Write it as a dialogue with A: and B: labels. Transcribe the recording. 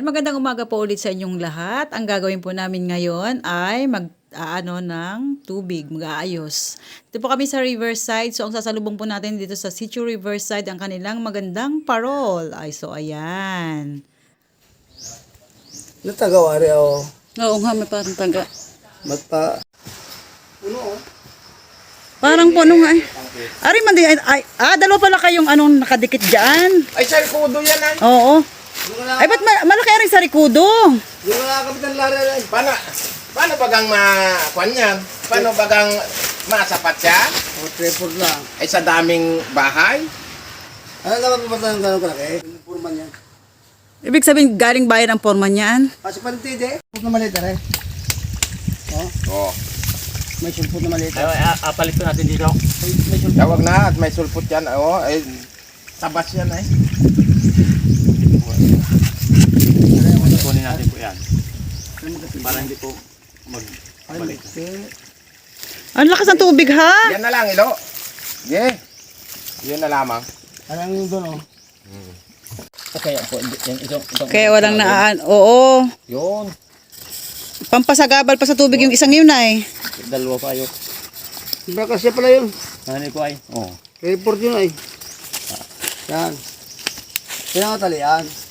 A: magandang umaga po ulit sa inyong lahat. Ang gagawin po namin ngayon ay mag-aano ng tubig, mag-aayos. Dito po kami sa Riverside. So ang sasalubong po natin dito sa Sitio Riverside ang kanilang magandang parol. Ay so ayan.
B: Natagawari ako.
A: Oo nga, may parang taga.
B: Magpa... Puno.
A: Parang puno nga eh. Ari man din, dalawa pala kayong anong nakadikit dyan.
B: Ay, sa kudo yan ay.
A: Oo. Ay, ba't malaki rin sa rikudo?
B: Yung mga kapitan Lara ay. Paano bagang makuan yan? Paano bagang masapat siya? O, tripod lang. Ay, sa daming bahay? Ano naman papatan ng gano'ng kalaki? Yung purman yan.
A: Ibig sabihin, galing bayan ang forma niyan?
B: Kasi panitid eh. Sulpot na maliit rin.
C: Oo.
B: May sulpot na maliit.
C: Apalit ko natin dito.
B: May sulpot.
C: Tawag na at may sulpot yan. Oo, ay tabas yan ay. Kunin natin po yan. Para hindi po magbalik.
A: Ang lakas ng tubig ha?
C: Yan na lang, ilo. Yeah. Yun na lamang.
B: Parang yung doon oh.
C: Okay, po. Itong
A: Kaya walang naan. Oo.
C: yun.
A: Pampasagabal pa sa tubig yung isang yun ay.
C: Dalawa pa yun.
B: Baka siya pala yun.
C: Ano po ay? Oo.
B: Report yun ay. Yan. Kaya nga talian.